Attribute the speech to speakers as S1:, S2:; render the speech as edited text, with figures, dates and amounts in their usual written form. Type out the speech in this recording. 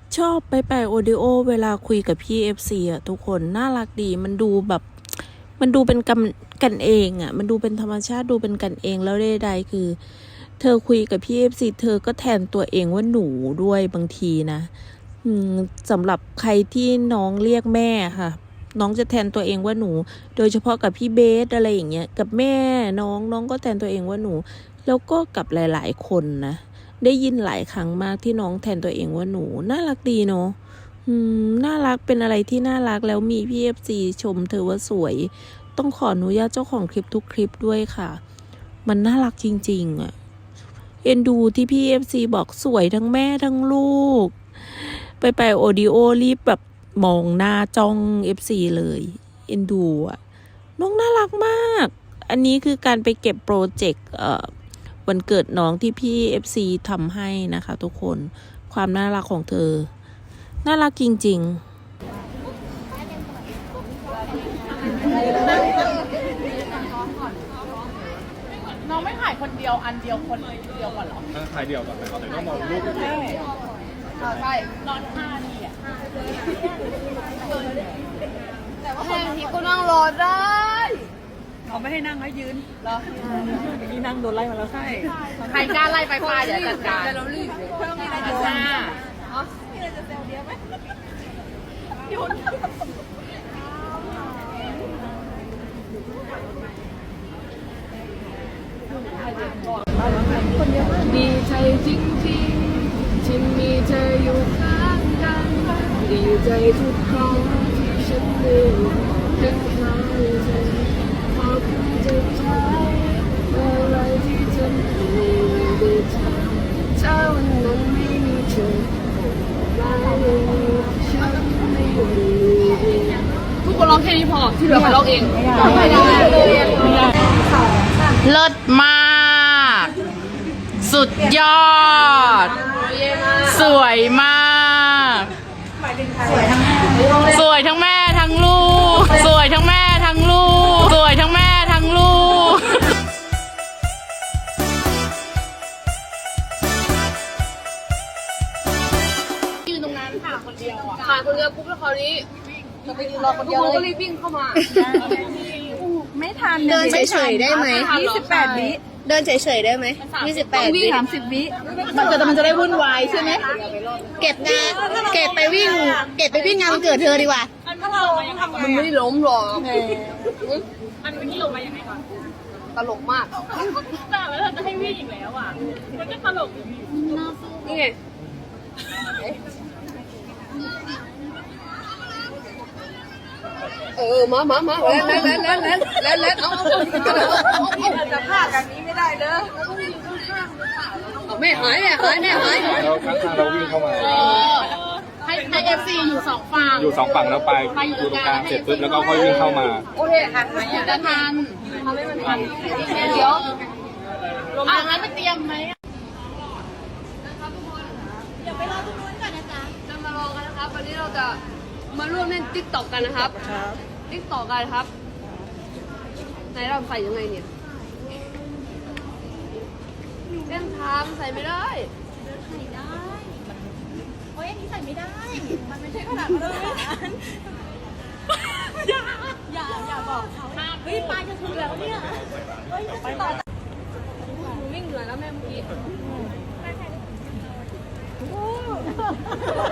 S1: ชอบไปโอดิโอเวลาคุยกับพี่FCอ่ะทุกคนน่ารักดีมันดูแบบมันดูเป็นกันเองอ่ะมันดูเป็นธรรมชาติดูเป็นกันเองแล้วใดๆคือเธอคุยกับพี่FCเธอก็แทนตัวเองว่าหนูด้วยบางทีนะสำหรับใครที่น้องเรียกแม่ค่ะน้องจะแทนตัวเองว่าหนูโดยเฉพาะกับพี่เบสอะไรอย่างเงี้ยกับแม่น้องก็แทนตัวเองว่าหนูแล้วก็กับหลายๆคนนะได้ยินหลายครั้งมากที่น้องแทนตัวเองว่าหนูน่ารักดีเนาะน่ารักเป็นอะไรที่น่ารักแล้วมีพี่FCชมเธอว่าสวยต้องขออนุญาตเจ้าของคลิปทุกคลิปด้วยค่ะมันน่ารักจริงๆอ่ะเอ็นดูที่พี่FCบอกสวยทั้งแม่ทั้งลูกไปโอดิโอรีบแบบมองหน้าจ้อง FC เลยเอ็นดูอ่ะน้องน่ารักมากอันนี้คือการไปเก็บโปรเจกต์วันเกิดน้องที่พี่ FC ทำให้นะคะทุกคนความน่ารักของเธอน่ารักจริง
S2: น้องไม่ถ่ายคนเดียวอันเดียวคนเดียวก่อนเหรอ
S3: ถ่ายเดียวก่อนแต่ก็มองรูป
S2: ใช่นอน5 นาทีอ่ะแต่ว่าคนที่ก็นั่งรอได้เขาไม่ให้นั่งให้ยืนเหรอนี่นั่งโดนไล่มาแล้วใช่ใครกล้าไล่ไปฟ้าเดี๋ยวจัดการเรารีบเพิ่มมีอะไรจะแซวมีอะไรจะแซวเดียวไหมโยน
S4: ดีใจจริงๆที่มีเธออยู่ข้างกันดีใจทุกครั้งที่ฉันได้เห็นใครเธอพอคุณจะใช้อะไรที่ฉันไม่ได้ทำถ้าวันนั้นไม่มีเธอได้ฉันไม่มีทุกคนร้องแค่นี้พอที่เหลือมาร้องเองไม่ได้
S2: เลิศมากสุดยอดสวยมากสวยทั้งแม่ทั้งลูกสวยทั้งแม่ทั้งลูกสวยทั้งแม่ทั้งลูกยืนตรงนั้นค่ะคนเดียวอ่ะ
S4: ผ่านคนเดียวปุ๊บแล้วคราวนี้จะไปยืนรอคนเดียวเลยก็รีบวิ่งเข้ามา
S5: ไม่ทัน
S6: เดินเฉยๆได้ไหม
S5: 28 วิ
S6: เดินเฉยๆได้ไหม28 วิ
S5: 30 วิ
S6: มันจะได้วุ่นวายใช่ไหมเก็บไปวิ่งงานวันเกิดเธอดีกว่า
S4: มันไม่ล้มหรอก
S2: มันไม่ลงมาอย่างไรก่อน
S4: ตลกมาก
S2: แต่แล้วเราจะให้วิ่งอีกแล้วอ่ะมันก็ตลก
S4: นี่ไงมาแล้ว
S5: จะพลาดแบบนี้ไม่ได้เลย
S4: แม่หาย
S3: เราข้างๆเราวิ่งเข้ามา
S2: ให้FC อยู่2 ฝั่ง
S3: อยู่2 ฝั่งแล้วไปอยู่ตรงกลางเสร็จปุ๊บแล้วก็ค่อยวิ่งเข้ามา
S4: โอเคหันมา
S2: จะทันทำให้มันทันเดี๋ยวงั้นไปเตรียมไหม
S4: จะมารอกันนะครับวันนี้เราจะมาร่วมเล่นติ๊กต็อกกันนะครับติ๊กต็อกกันครับไหนเราใส่ยังไงเนี่ยเล่นทางใส่ไม่ได้
S5: โอ้ยอันนี้ใส่ไม่ได้มันไม่ใช่ขนาดนั้นอย่าบอกเขาเฮ้ยปลายจะถึงแล้วเนี่ยเฮ้ยไปต่อ
S4: วิ่งเหนื่อยแล้วแม่เมื่อกี้